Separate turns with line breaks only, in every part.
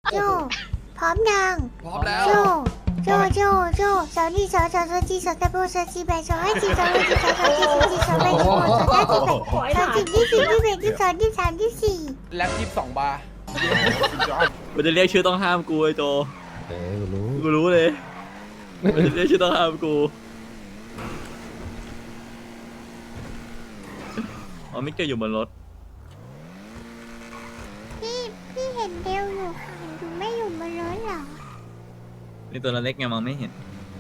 โจพร้อมยัง
พร้อมแล้ว
โจโจสาวนี่สาวจีสาวตะโบสาวจีแบสาวให้จีสาวให้จีสาวจีสาวจีสาวแบสาวสาวจีแบสาวจีที่สี่ที่แบที่สองที่สามที่สี่
แล็บ22 บาร์สุดยอด
มันจะเรียกชื่อต้องห้ามกูไอ้โจ กูรู้เลยมันจะเรียกชื่อต้องห้ามกูอ๋อไม่เกี่ยวอยู่บนรถ
พี่เห็นเดวอยู่ค่ะดูไม่อยู่บนรถหรอ
นี่ตัวเล็กไงมองไม่เห็น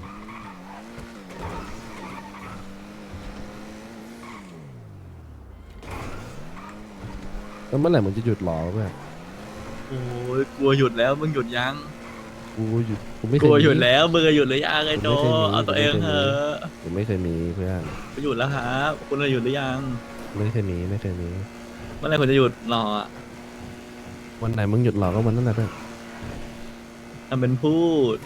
แล้วเมื่อไหร่มึงจะหยุดหรอเพื่อน
โอ้ยกลัวหยุดแล้วมึงหยุดยัง
กูหยุดกูไม่เค
ก
ย
ลัว
มี
หยุดแล้วมึงอะหยุดหรือยังไอ้โจ
ผมไม่เคยมี
เอาตัวเอง
ผมไม่
เถ
เคยมี
อะ
กูไม่เคยมีเพื่อน
กูหยุดแล้วครับคุณอะหยุดหรือยัง
ไม่เคยมีไม่เคยมี
เมื่อไหร่คุณจะหยุดรออะ
วันไหนมึงหยุดหรอก็วันนั้นแหละเพื่อน
ทำเป็นพูด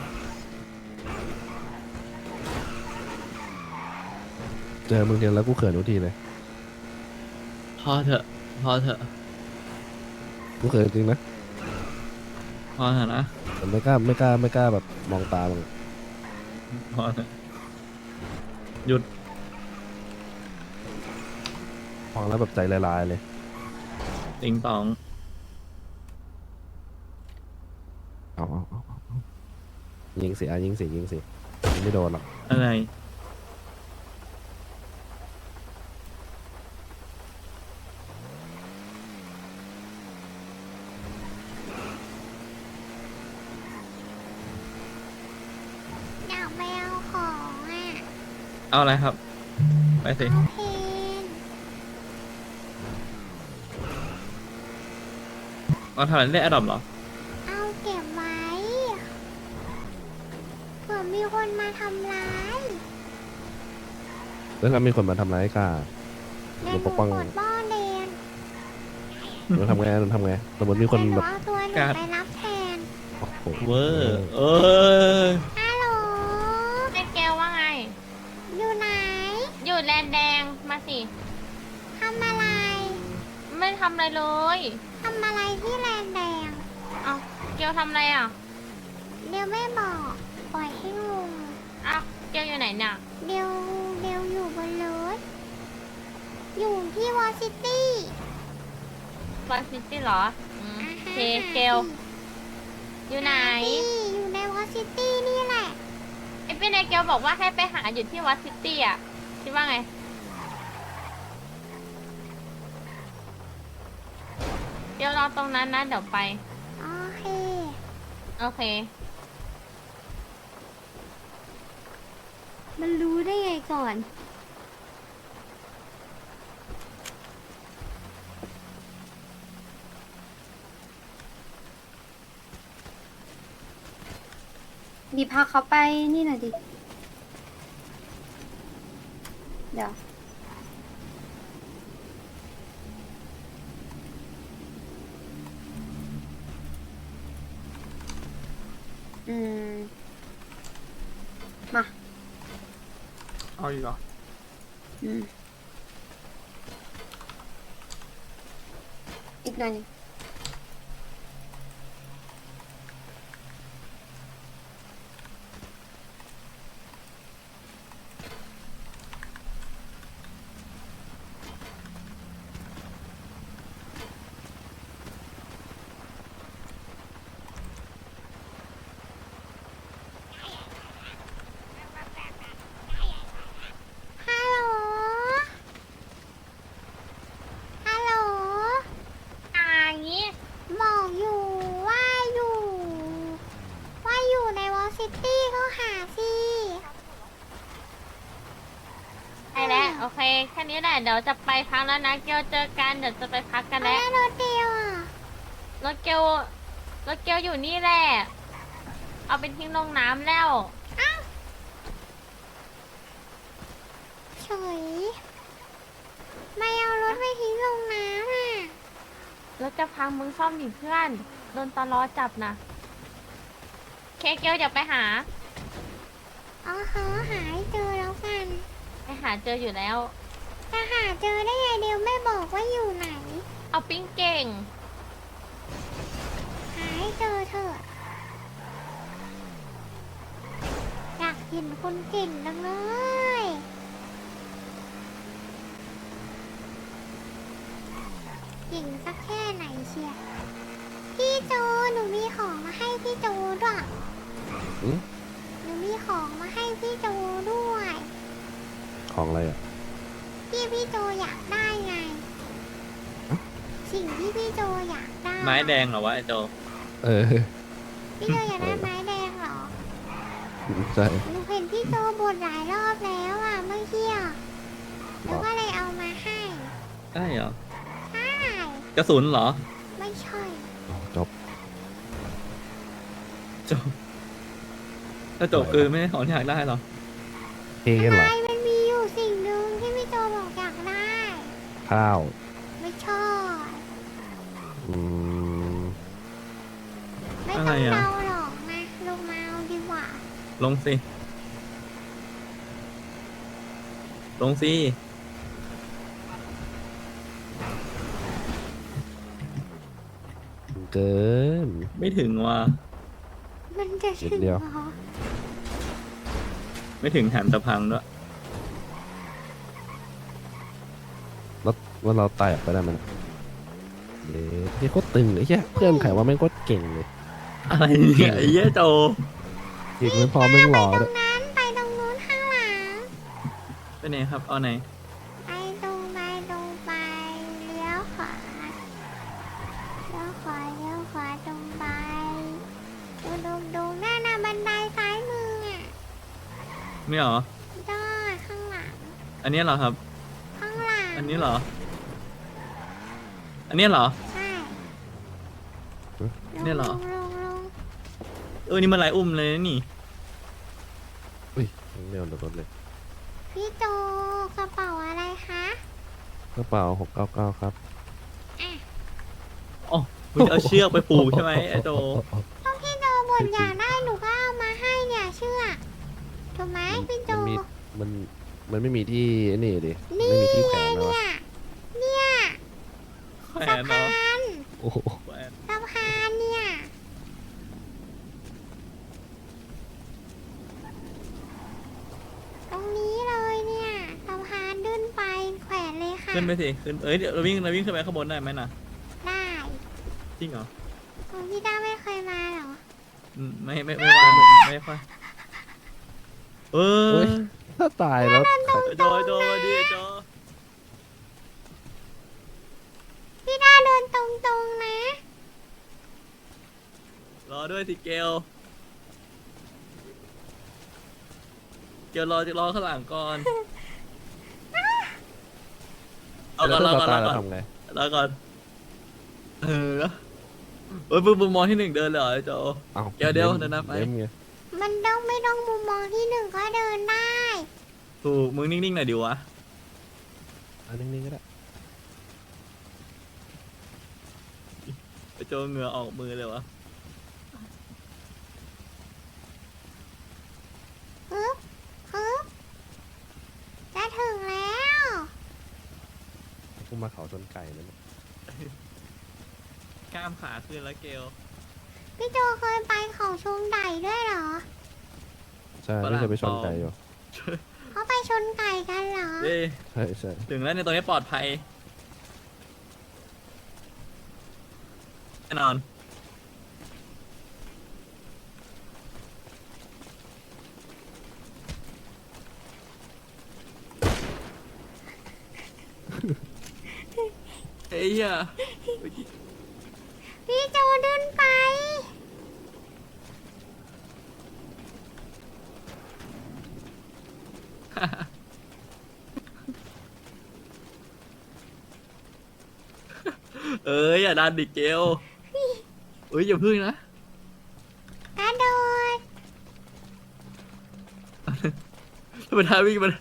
เจอมึงเดียวแล้วกูเขินทุกทีเลย
พอเถอะพอเถอะ
กูเขินจริงนะ
พอเถอะนะ
แต่ไม่กล้าแบบมองตามึง
พอเถอะหยุด
มองแล้วแบบใจละลายเลย
ติงตอง
เอายิงสิยิงสิยิงไม่โดนหรอก
อะไร
อยากไปเอาของอ่ะ
เอาอะไรครับ ไปสิ
เอาเพน
เอาทำอะไรได้อดอปเหรอ
เอาเก็บไว้เผื่อมีคนมาทำร้าย
แล้วถ้ามีคนมาทำร้ายกล้า
เดี๋ยวห
ป
นู
กป้อง
กดบ้อนเดน
หนูทำไงสมมติมีคน
เดี๋ยวหนู
แบบ
เอาตัวหนู
การ์ด
ไปรับแทน
โอ้โห
เวอร์เออ
ฮัลโหล
เจ๊เกลว่าไง
อยู่ไหน
อยู่แลนแดงมาสิ
ทำอะไร
ไม่ทำอะไรเลย
ทำอะไรที่แลนแดง
เอาเกลทำอะไรอ่ะ
เดี๋ยวไม่บอก ปล่อยให้งง
อ้าวเกลอยู่ไหนเนี่ย
เดี๋ยวอยู่บนรถ อยู่ที่วอซิตี้
วอซิตี้เหรออืมโอเคเกลอยู่ไหน
อยู่ในวอซิตี้นี่แหละ
ไอ้พี่นายเกลบอกว่าให้ไปหาอยู่ที่วัดซิตี้อ่ะ คิดว่าไง เกลรอตรงนั้นนะเดี๋ยวไป
โอเค
โอเค
มันรู้ได้ไงก่อน
ดีพาเขาไปนี่หน่อยดิ เดี๋ยว อืม มา
เอาอีกเหรอ
อืม อีกหน่อยหนึ่ง
ฮัลโหล ฮัลโหล
อย่างงี้
บอกอยู่ว่าอยู่ ว่าอยู่ในวอซิตี้ก็หาสิ
ไปแล้วโอเค แค่นี้แหละ เดี๋ยวจะไปพักแล้วนะ เกลเจอกัน เดี๋ยวจะไปพักกันแล้ว
แล้วรถเดียวอ่ะ
รถเกลอยู่นี่แหละ เอาไปทิ้งลงน้ำแล้ว
เฉย ไม่เอารถไปทิ้งลงน้ำอ่ะ
รถจะพังมึงซ่อมดิเพื่อน โดนตลอจับนะเคเกลเดี๋ยวไปหา
อ๋อเขาหาให้เจอแล้วกัน
ไปหาเจออยู่แล้ว
จะหาเจอได้ไงเดียวไม่บอกว่าอยู่ไหน
เอาปิ้งเก่ง
หาให้เจอเถอะเห็นคนเก่งจังเลย เก่งสักแค่ไหนเชียร์พี่โจหนูมีของมาให้พี่โจด้วย
อืม
หนูมีของมาให้พี่โจด้วย
ของอะไรอ่ะ
พี่โจอยากได้ไง สิ่งที่พี่โจอยากได้
ไม้แดงเหรอวะไอ้โจ
เออ
พี่โจอยากได้ไม้แดงเหรอ
ใช่
หนูเห็นพี่โจบ่นหลายรอบแล้วอ่ะเมื่อกี้อ่ะหนูก็เลยเอามาให้
ได้เหรอ
ใช่
กระสุนเหรอ
ไม่ใช่
จบ
จบถ้าจบคือไม่ได้ของที่อยากได้เหรอ
เฮ้กันเหรอ
ทำไมมันมีอยู่สิ่งหนึ่งที่พี่โจบอกอยากได้
ข้าว
ไม่ชอบ
อืม
ไม่ต้องเดาหรอกนะลงมาเอาดีกว่า
ลงสิลงสิ
เกิน
ไม่ถึงว่ะ
มันจะถึง
นิดเดียว
เหรอ
ไม่ถึงแถมจะพังด้วย
แล้วว่าเราไต่ออกไปได้ไหมนะเย้ที่โคตรตึงเลยแค่เพื่อนไขว่าแม่งโคตรเก่งเลย
อะไรเนี่ยไอ้เหี้ยโจ
อีกไม่พอแม่งหล่อ
ตร
ด้วย
งนั้นไปตรงนู้นข้างหลัง
ไปไหนครับเอาไหน
ไปตรงไปตรงไปเลี้ยวขวาเลี้ยวขวาเลี้ยวขวาตรงไปดูหน้าบันไดซ้ายมืออ่ะ
นี่เหรอ
ได้ข้างหลัง
อันนี้เหรอครับ
ข้างหลัง
อันนี้เหรอ อันนี้เหรอ
ใช่
เนี่ยเหรอ
ลง
นี่มันลายอุ้มเลยนะนี่
อุ้ยเร็วรถเลย
พี่โจกระเป๋าอะไรคะ
กระเป๋า699ครับ
อ๋อมึงจะเอาเชือกไปผูกใช่ไหมไอ้โจ
ก็พี่โจบ่นอยากได้หนูก็เอามาให้เนี่ยเชื่อถูกไหมพี่โจ
มันไม่มีที่นี่ดิ
นี่
ไม่มีที่แข
ไง
วนแล้ว
เนี่ย
แขว
สะ
นเนาะ
พาน
โอ้โห
แขวน
สะพานเนี่ยตรงนี้เลยเนี่ยสะพานขึ้นไปแขวนเลยค่ะ
ขึ้นไปสิ ขึ้น เอ้ยเดี๋ยวเราวิ่งขึ้นไปข้างบนได้ไหมน่ะ
ได้
จริงเหรอ
คุณพี่ด้าไม่เคยมาเหรอ
ไม่ว่าไม่ค่อยเอ
เฮ้
อย
ถ้าตายแล้ว
โจมาดิโจ
พี่ด้าเดินตรงๆนะ
รอด้วยสิเกลรอข้างหลังก่อน เอาก่อนรอก่อน
ตายแล้วทำไง
รอก่อนเออเฮ้ยมึงมองที่หนึ่งเดินเลยเหรอไอ้โจ
เอ้า
เดี๋ยวเดี๋ยวเดี๋ยวนะไป
เล่มไง
มันไม่ต้องมุมมองที่หนึ่งก็เดินได้
ถูกมึงนิ่งๆหน่อยดิวะ
อันนิ่งๆก็ได้
ไอ้โจเหงื่อออกมือเลยวะ
ฮึบจะถึงแล้ว
พุ่งมาเขาชนไก่นั่นน่ะ
กล้ามขาขึ้นแล้วเกล
พี่โจเคยไปเขาชงไก่ด้วยเหรอ
ใช่ไม่เคยไปชนไก่อยู่
เขาไปชนไก่กันเหรอ
เย้
ใช่ใช่
ถึงแล้วในตรงนี้ปลอดภัยแน่นอน เฮ้ยอ่ะ
พี่โจเดินไป
เอ้ยอย่าดันดิเกลเอ้ยอย่าพึ่งนะ
กระโดด
ถ้าเป็นท่าวิ่งมัน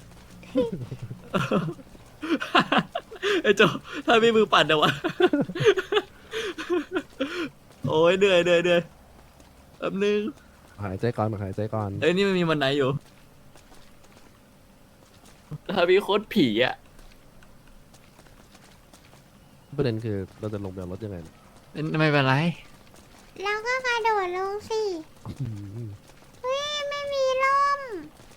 ไอ้โจถ้ามีมือปั่นเดี๋ยววะ โอ้ยเหนื่อยแป๊บนึง
หายใจก่อนหายใจก่อน
เอ้ยนี่มันมีวันไหนอยู่ถ้ามีโคตรผีอ่ะ
ประเด็นคือเราจะลงไปเอารถยังไงเนี่ย
ไม่เป็นไร
แล้วก็กระโดดลงสิ
อืม
เฮ้ยไม่มีร่ม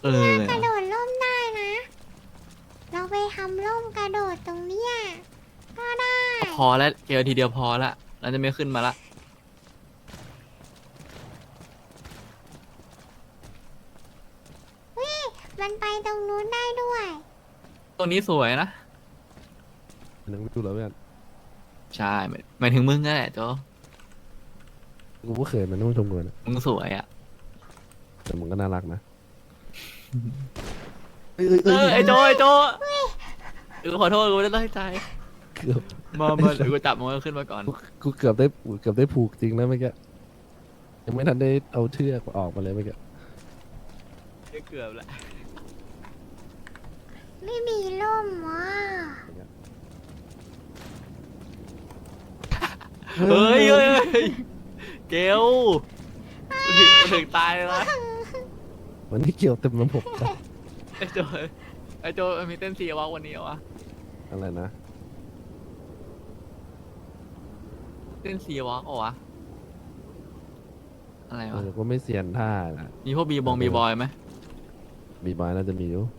เออก
ระโดดร่มได้นะ เราไปทำร่มกระโดดตรงเนี้ยก็ได้
พอแล้วเกลทีเดียวพอละเราจะไม่ขึ้นมาละ
มันไปตรงนู้นได้ด้วย
ตรงนี้สวยนะ
นึกไม่ดูแล้วเพื่อน
ใช่หมายถึงมึงนั่นแหละโจ
กูก็เคยมันต้องชมกูนะ
มึงสวยอ่ะ
แต่มึงก็น่ารักนะ
ไอโจขอโทษกูไม่ได้ตั้งใจ
เกือบ
มาเดี๋ยวกูจับมึงขึ้นมาก่อน
กูเกือบได้ผูกจริงนะเมื่อกี้ยังไม่ทันได้เอาเชือกออกมาเลยเมื่อกี้
เกือบแหละ
ไม่มีร่มอ่ะ
เฮ้ยเกลถึงตายเลยนะ
วันนี้เกี่ยวเต็มระบบเลย
ไอโจมีเต้นซีวะวันนี้เหรอวะ
อะไรนะ
เต้นซีวะเหรอวะอะไรวะ
ก็ไม่เซียนท่านะ
มีพวกบีบอยไหม
บีบอยน่าจะมีอยู่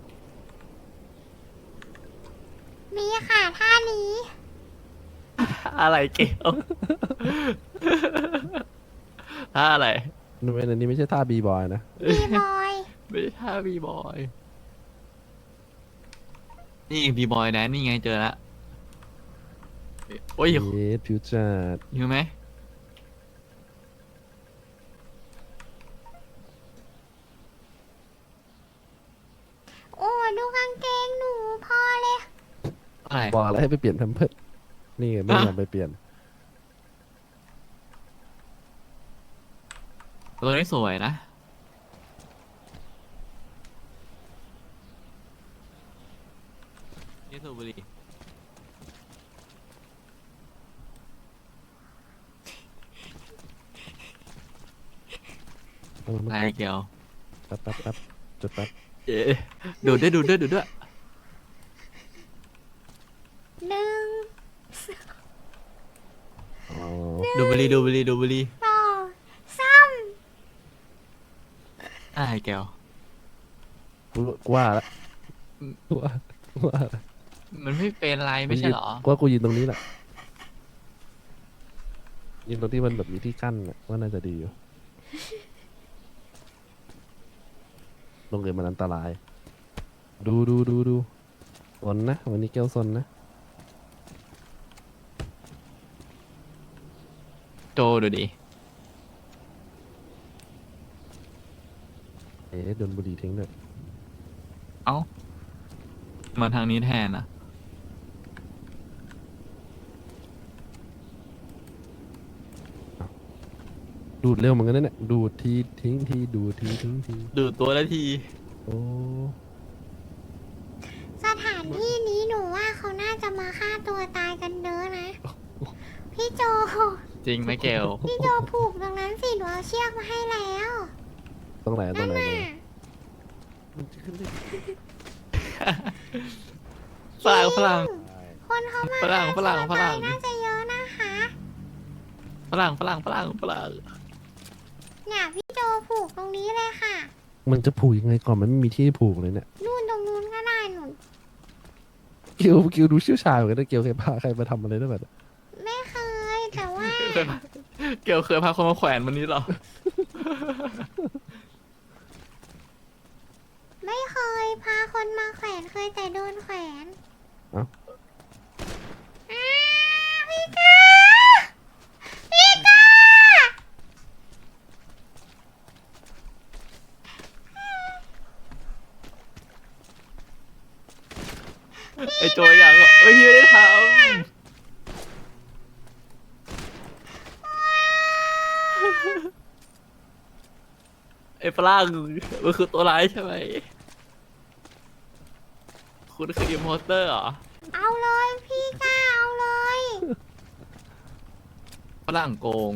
มีค่ะท่านี้
อะไรเกลท่าอะไร
อันนี้ไม่ใช่ท่าบีบอยนะ
มีบอย
ไม่ใช่ท่าบีบอยนี่บีบอยแดนนี่ไงเจอละโอ้ย
เยสฟิวเจอร์
อยู่ไหม
โอ้ดูกางเกงหนูพอเลย
อะไร
บอกแล้วให้ไปเปลี่ยนแพมเพิร์สนี่ไงไม่ยอมไปเปลี่ยน
ตัวนี้สวยนะนี่สูบบุหรี่อะไรเกี่ยว
แป๊บจุดแป๊บ
เอ๊ะดูดด้วย
1
อ๋อ
ดูบุหรี่
2 3
อะไรเกี่ยว
กูว่าละว่าละ
มันไม่เป็นไรไม่ใช่เหรอ
กูว่ากูยืนตรงนี้แหละยืนตรงที่มันแบบมีที่กั้นน่ะว่าน่าจะดีอยู่ลงเกินมันอันตราย ดูสนนะวันนี้แก้วสนนะ
โจดูดิ
โดนบุหรี่ทิ้งด้วย
เอ้ามาทางนี้แทนนะ
ดูดเร็วเหมือนกันนะเนี่ยดูดทีทิ้งทีดูดทีทิ้งที
ดูดตัวละที
โอ้
สถานที่นี้หนูว่าเขาน่าจะมาฆ่าตัวตายกันเด้อนะ พี่โจ
จริงไหมเกล
พี่โจผูกตรงนั้นสิหนูเอาเชือกมาให้แล้ว
ตรงไหน
นั่นน่ะ
ฝรั่ง
คนเขามา
ฝรั่ง
ฆ่า
ฝรั่ง
ตัว
ฝรั่
ตาย
ง
น่าจะเยอะนะคะ
ฝรั่ง
เนี่ยพี่โจผูกตรงนี้เลยค่ะ
มันจะผูกยังไงก่อนมันไม่มีที่ผูกเลยเนี่ย
นู่นตรงนู้นก็ได้หนู
เกียวดูเชี่ยวชาญเหมือนกันนะเกียวเคยพาใครมาทำอะไรได้แบบ
ไม่เคยแต่ว่า
เกลเคยพาคนมาแขวนวันนี้เหรอ
ไม่เคยพาคนมาแขวนเคยแต่โดนแขวน
เอ้า
อ้าพี่ก้าพี่ก้า
ไอโจอยากเอ้ยไม่ได้ทำไอฝรั่งมันคือตัวร้ายใช่ไหม คุณคืออิมโพสเตอร์เหรอ
เอาเลยพี่ก้าเอาเลย
ฝรั่งโกง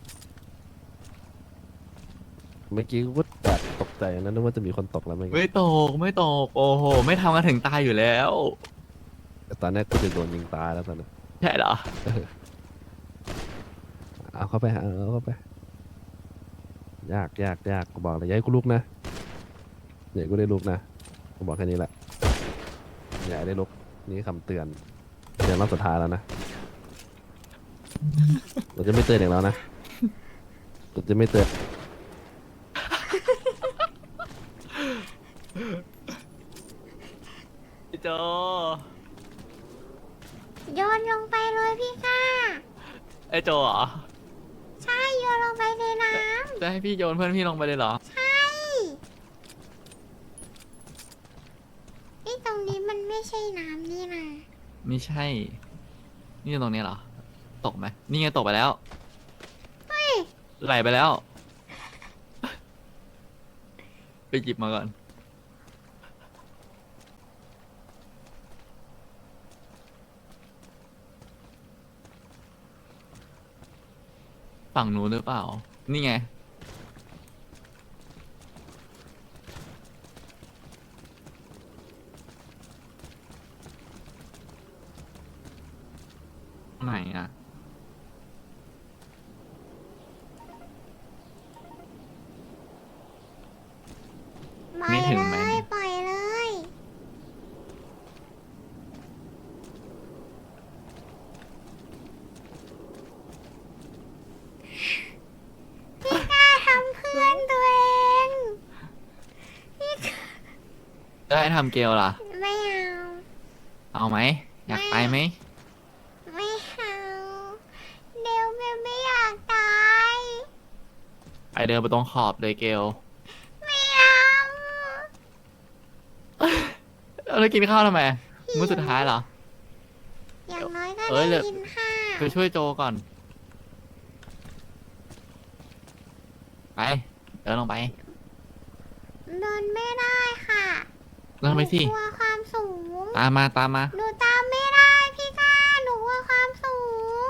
เมื่อกี้กูก็แบบตกใจนะนึกว่าจะมีคนตกแล้วเมื่อกี้
ไม่ตก โอ้โห ไม่ทำกันถึงตายอยู่แล้ว
แต่ตอนนี้กูจะโดนยิงตายแล้วตอนนี้
ใช่เหรอ
เอาเข้าไปเอาเข้าไปยากกูบอกเลยอย้ายกูลุกนะอย่าให้กูได้ลุกนะกูบอกแค่นี้แหละอย่าให้ได้ลุกนี่คำเตือนเตือนรอบสุดท้ายแล้วนะเราจะไม่เตือนอย่างแล้วนะเราจะไม่เตือน
ไอ้โจ
โยนลงไปเลยพี่ก้า
ไอ้โจเหรอ
ใช่โยนลงไปในน้
จะให้พี่โยนเพื่อนพี่ลงไปเลยเหรอ
ำ ใช่นี่ตรงนี้มันไม่ใช่น้ำนี่นะ
ไม่ใช่ นี่ตรงนี้เหรอ ตกไหม นี่ไงตกไปแล้ว
เฮ้ย
ไหลไปแล้ว ไปหยิบมาก่อน ฝั่งนู้นหรือเปล่า นี่ไง ไหนอ่ะ
ปล่อ
ไม่
ย
ถึง
เล
ไหม
ยปล่อยเลยพี่ก้าทำเพื่อนตัวเองพี่ก้า
ได้ทำเกลล่ะ
ไม่เอา
เอาไหม อยากไปไหม
ไม่เอาเดี๋ยวแม่ไม่อยากตาย
ไปเดินไปตรงขอบเลยเกล
ไม่เอา
แล้วกินข้าวทำไม มื้อสุดท้ายเหรอ
อย่างน้อยก็
เอ้ย
ได้กินข้าว
ไปช่วยโจก่อน ไป เดินลงไป
เดินไม่ได้ค่ะ
เดินไปสิ
หนูกลัวความสูง
ตามมาตามมา
หนูตามไม่ได้พี่ก้าหนูกลัวความสูง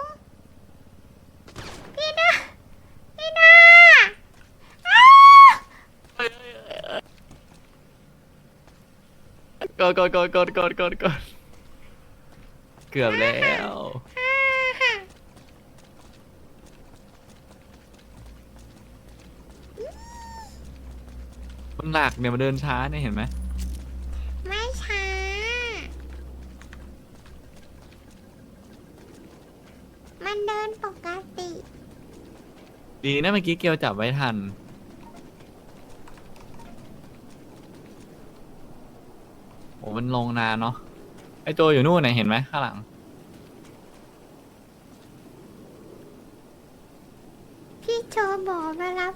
พี่ด้าพี่ด้าอ้าว
กดเกือบแล้ว มันหนักเนี่ยมันเดินช้าเนี่ยเห็นไหม
ไม่ช้า มันเดินปกติ
ดีนะเมื่อกี้เกลจับไว้ทัน โอ้มันลงนานเนาะ ไอโจอยู่นู่นไหนะเห็นไหมข้างหลัง
พี่โจบอกมารับ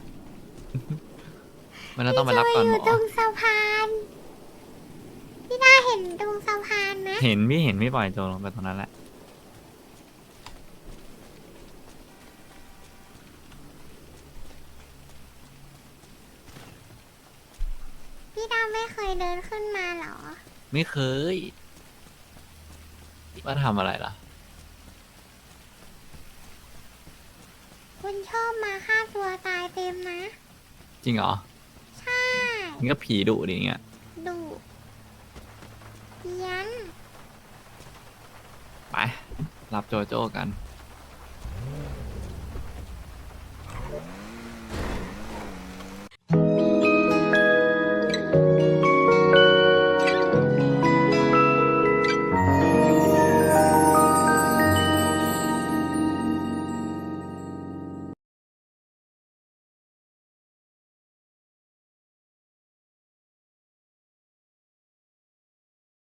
มันเราต้องไปรับก่อน
พี่
ห
โจ
ม
อยู่ตร
อ
งสะพาน พี่ด้าเห็นตรงสะพานนะ
เห็นพี่ปล่อยโจลงไปตรงนั้นแหละ
พี่ด้าไม่เคยเดินขึ้นมาเหรอ
ไม่เคยว่าทำอะไรล่ะ
คุณชอบมาฆ่าตัวตายเต็มนะ
จริงเหรอ
ใช่
นี่ก็ผีดุดิเงี้ย
ดุเพี้ยน
ไป รับโจโจ้กัน